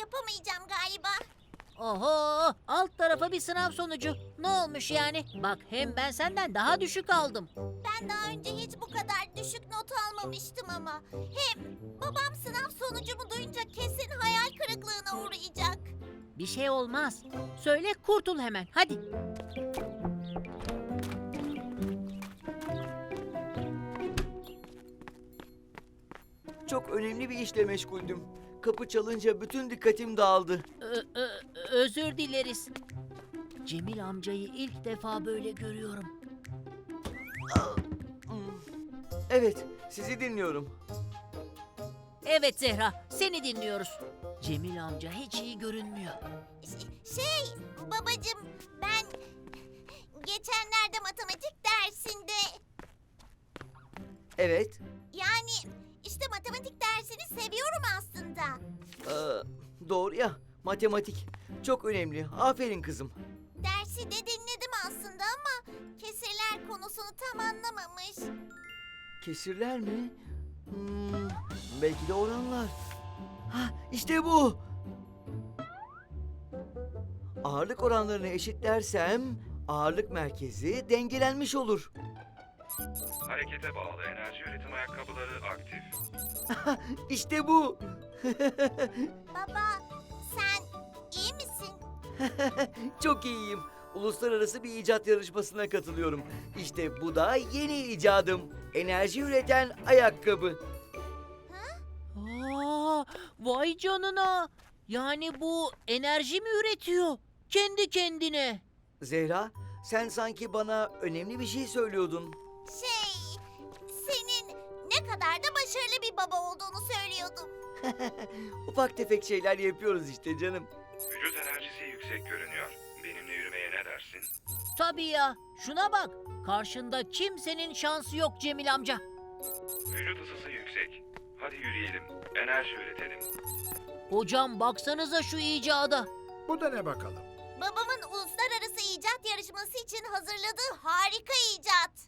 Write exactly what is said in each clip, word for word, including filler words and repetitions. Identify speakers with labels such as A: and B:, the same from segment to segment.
A: yapamayacağım galiba.
B: Oho, alt tarafa bir sınav sonucu. Ne olmuş yani? Bak hem ben senden daha düşük aldım.
A: Ben daha önce hiç bu kadar düşük not almamıştım ama. Hem babam sınav sonucumu duyunca kesin hayal kırıklığına uğrayacak.
B: Bir şey olmaz. Söyle kurtul hemen hadi.
C: Çok önemli bir işle meşguldüm. Kapı çalınca bütün dikkatim dağıldı.
B: Ö- ö- özür dileriz. Cemil amcayı ilk defa böyle görüyorum.
C: Hmm. Evet, sizi dinliyorum.
B: Evet Zehra, seni dinliyoruz. Cemil amca hiç iyi görünmüyor.
A: Ş- Şey babacığım ben geçenlerde matematik dersinde
C: Evet,
A: yani işte matematik dersini seviyorum aslında.
C: ee, doğru ya. Matematik çok önemli. Aferin kızım.
A: Dersi de dinledim aslında ama kesirler konusunu tam anlamamış.
C: Kesirler mi? Hmm, belki de oranlar. Ha, işte bu. Ağırlık oranlarını eşitlersem ağırlık merkezi dengelenmiş olur.
D: Harekete bağlı enerji üretim ayakkabıları aktif.
C: İşte bu.
A: Baba sen iyi misin?
C: Çok iyiyim. Uluslararası bir icat yarışmasına katılıyorum. İşte bu da yeni icadım. Enerji üreten ayakkabı.
B: Aa, vay canına. Yani bu enerji mi üretiyor? Kendi kendine.
C: Zehra, sen sanki bana önemli bir şey söylüyordun.
A: Şey senin ne kadar da başarılı bir baba olduğunu söylüyordum.
C: Ufak tefek şeyler yapıyoruz işte canım.
D: Vücut enerjisi yüksek görünüyor. Benimle yürümeye ne dersin?
B: Tabii ya. Şuna bak. Karşında kimsenin şansı yok Cemil amca.
D: Vücut ısısı yüksek. Hadi yürüyelim. Enerji üretelim.
B: Hocam baksanıza şu icada.
E: Bu da ne bakalım?
A: Babamın uluslararası icat yarışması için hazırladığı harika icat.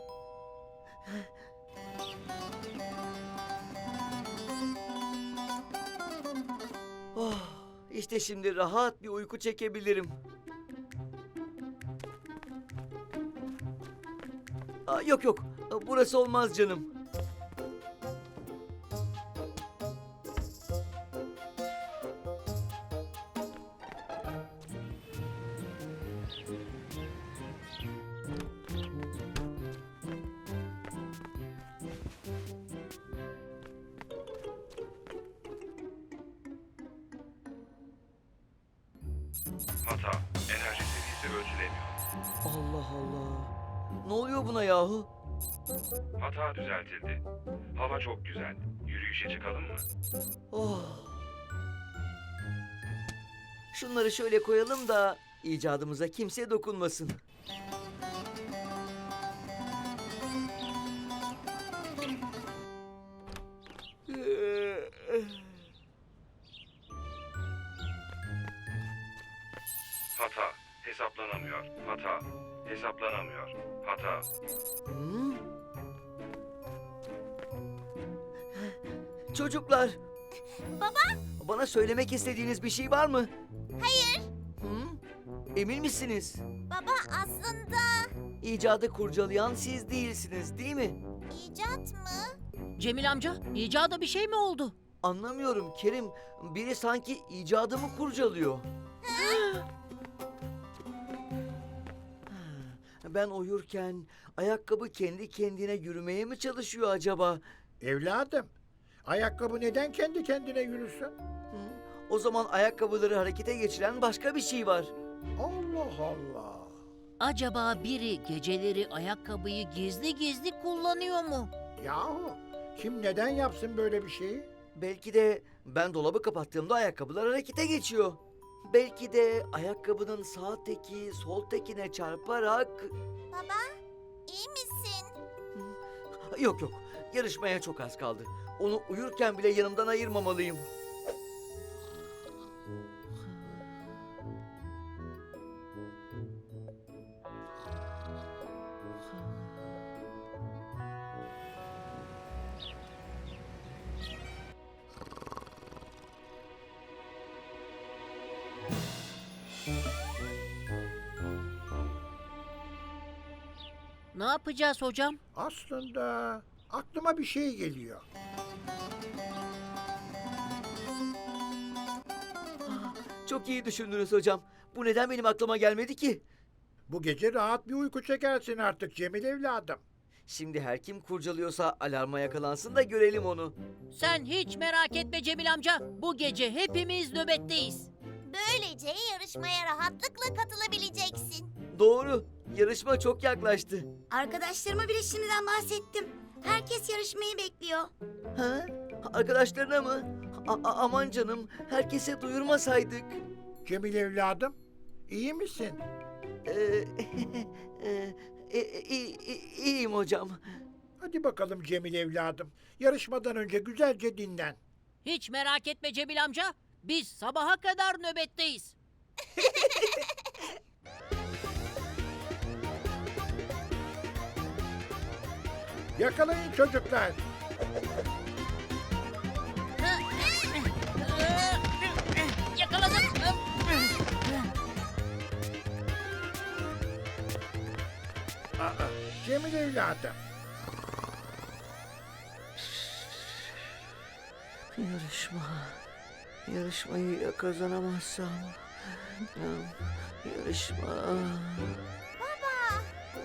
C: Oh, işte şimdi rahat bir uyku çekebilirim. Aa, yok yok, burası olmaz canım.
D: Hata. Enerji seviyesi ölçülemiyor.
C: Allah Allah. Ne oluyor buna yahu?
D: Hata düzeltildi. Hava çok güzel. Yürüyüşe çıkalım mı?
C: Oh. Şunları şöyle koyalım da icadımıza kimse dokunmasın.
D: Hata. Hesaplanamıyor. Hata. Hesaplanamıyor. Hata.
C: Hmm? Çocuklar,
A: Baba
C: bana söylemek istediğiniz bir şey var mı?
A: hayır.
C: Hı? Emin misiniz?
A: Baba aslında
C: İcadı kurcalayan siz değilsiniz, değil mi?
A: icat mı?
B: Cemil amca, icada bir şey mi oldu?
C: Anlamıyorum Kerim. Biri sanki icadımı kurcalıyor. Ben uyurken ayakkabı kendi kendine yürümeye mi çalışıyor acaba?
E: Evladım, ayakkabı neden kendi kendine yürüsün?
C: Hı? O zaman ayakkabıları harekete geçiren başka bir şey var.
E: Allah Allah.
B: Acaba biri geceleri ayakkabıyı gizli gizli kullanıyor mu?
E: Yahu, kim neden yapsın böyle bir şeyi?
C: Belki de ben dolabı kapattığımda ayakkabılar harekete geçiyor. Belki de ayakkabının sağ teki sol tekine çarparak...
A: Baba iyi misin?
C: Yok yok, yarışmaya çok az kaldı. Onu uyurken bile yanımdan ayırmamalıyım.
B: Ne yapacağız hocam?
E: Aslında aklıma bir şey geliyor.
C: Çok iyi düşündünüz hocam. Bu neden benim aklıma gelmedi ki?
E: Bu gece rahat bir uyku çekersin artık Cemil evladım.
C: Şimdi her kim kurcalıyorsa alarma yakalansın da görelim onu.
B: Sen hiç merak etme Cemil amca. Bu gece hepimiz nöbetteyiz.
A: Böylece yarışmaya rahatlıkla katılabileceksin.
C: Doğru. Yarışma çok yaklaştı.
A: Arkadaşlarıma bile şimdiden bahsettim. Herkes yarışmayı bekliyor.
C: Ha? Arkadaşlarına mı? A- a- aman canım, herkese duyurmasaydık.
E: Cemil evladım, iyi misin?
C: Ee, e, e, e, e, iyiyim hocam.
E: Hadi bakalım Cemil evladım. Yarışmadan önce güzelce dinlen.
B: Hiç merak etme Cemil amca. Biz sabaha kadar nöbetteyiz.
E: Yakalayın çocuklar.
B: Yakaladım.
E: Aa, Cemil evladım.
C: Yarışma. Yarışmayı ya kazanamazsam. Yarışma.
A: Baba.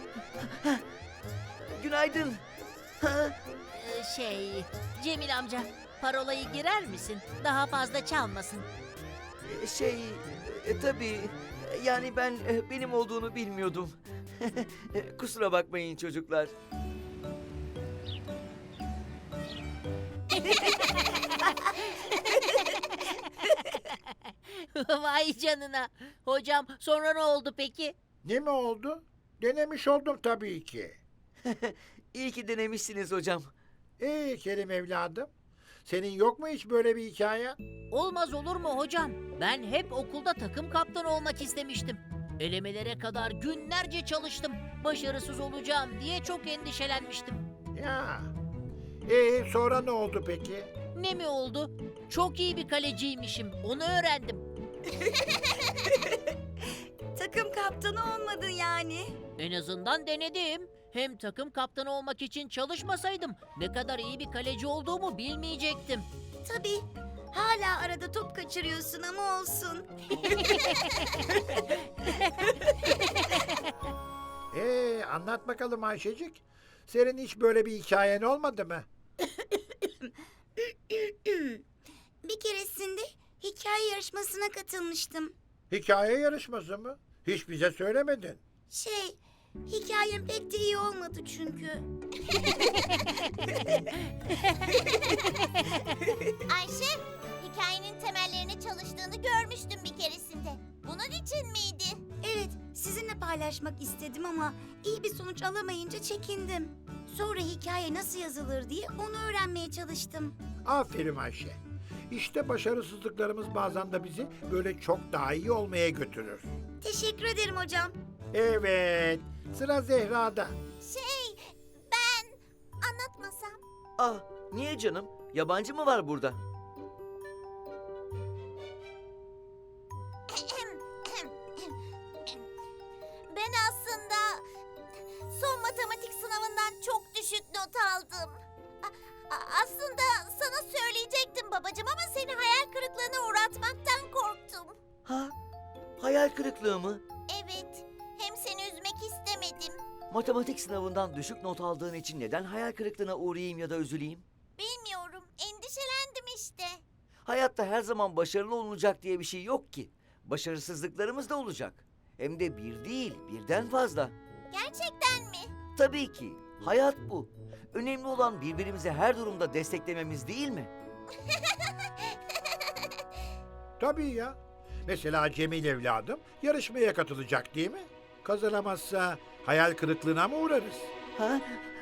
C: Günaydın. Ha?
B: Ee, Şey, Cemil amca, parolayı girer misin? Daha fazla çalmasın.
C: Şey, e, tabii. Yani ben e, benim olduğunu bilmiyordum. Kusura bakmayın çocuklar.
B: Vay canına. Hocam sonra ne oldu peki?
E: Ne mi oldu? Denemiş oldum tabii ki.
C: İyi ki denemişsiniz hocam.
E: Ee Kerim evladım, senin yok mu hiç böyle bir hikayen?
B: Olmaz olur mu hocam? Ben hep okulda takım kaptanı olmak istemiştim. Elemelere kadar günlerce çalıştım. Başarısız olacağım diye çok endişelenmiştim.
E: Ya. Ee sonra ne oldu peki?
B: Ne mi oldu? Çok iyi bir kaleciymişim. Onu öğrendim.
A: Takım kaptanı olmadın yani.
B: En azından denedim. Hem takım kaptanı olmak için çalışmasaydım ne kadar iyi bir kaleci olduğumu bilmeyecektim.
A: Tabii. Hala arada top kaçırıyorsun ama olsun.
E: Ee anlat bakalım Ayşecik. Senin hiç böyle bir hikayen olmadı mı?
A: Bir keresinde hikaye yarışmasına katılmıştım.
E: Hikaye yarışması mı? Hiç bize söylemedin.
A: Şey, hikayem pek de iyi olmadı çünkü. Ayşe, hikayenin temellerini çalıştığını görmüştüm bir keresinde. Bunun için miydi? Evet, sizinle paylaşmak istedim ama iyi bir sonuç alamayınca çekindim. Sonra hikaye nasıl yazılır diye onu öğrenmeye çalıştım.
E: Aferin Ayşe. İşte başarısızlıklarımız bazen de bizi böyle çok daha iyi olmaya götürür.
A: Teşekkür ederim hocam.
E: Evet, sıra Zehra'da.
A: Şey, ben anlatmasam.
C: Ah, niye canım? Yabancı mı var burada?
A: Ben aslında son matematik sınavından çok düşük not aldım. A- a- aslında sana söyleyecektim babacığım ama seni hayal kırıklığına uğratmaktan korktum.
C: Ha? Hayal kırıklığı mı?
A: Evet, hem seni üzmek istemedim.
C: Matematik sınavından düşük not aldığın için neden hayal kırıklığına uğrayayım ya da üzüleyim?
A: Bilmiyorum, endişelendim işte.
C: Hayatta her zaman başarılı olunacak diye bir şey yok ki. Başarısızlıklarımız da olacak. Hem de bir değil, birden fazla.
A: Gerçekten mi?
C: Tabii ki. Hayat bu. Önemli olan birbirimizi her durumda desteklememiz değil mi?
E: Tabii ya. Mesela Cemil evladım yarışmaya katılacak değil mi? Kazanamazsa hayal kırıklığına mı uğrarız?
C: Ha?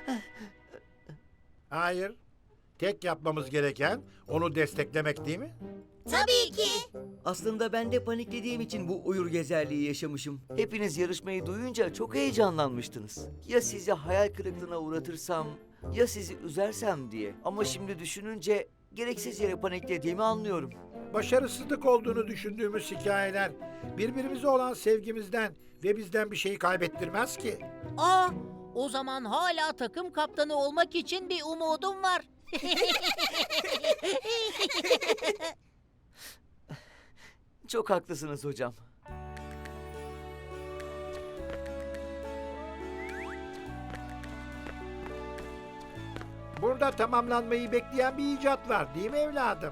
E: Hayır. Tek yapmamız gereken onu desteklemek değil mi?
A: Tabii ki.
C: Aslında ben de paniklediğim için bu uyur gezerliği yaşamışım. Hepiniz yarışmayı duyunca çok heyecanlanmıştınız. Ya sizi hayal kırıklığına uğratırsam, ya sizi üzersem diye. Ama şimdi düşününce gereksiz yere paniklediğimi anlıyorum.
E: Başarısızlık olduğunu düşündüğümüz hikayeler birbirimize olan sevgimizden ve bizden bir şeyi kaybettirmez ki.
B: Aa, o zaman hala takım kaptanı olmak için bir umudum var.
C: Çok haklısınız hocam.
E: Burada tamamlanmayı bekleyen bir icat var değil mi evladım?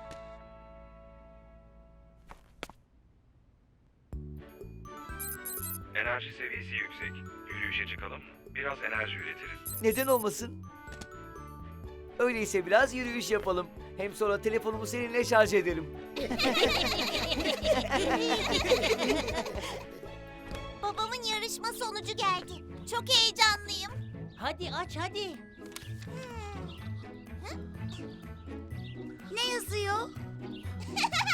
D: Enerji seviyesi yüksek. Yürüyüşe çıkalım. Biraz enerji üretiriz.
C: Neden olmasın? Öyleyse biraz yürüyüş yapalım. Hem sonra telefonumu seninle şarj ederim.
A: Babamın yarışma sonucu geldi. Çok heyecanlıyım.
B: Hadi aç hadi.
A: Ne yazıyor?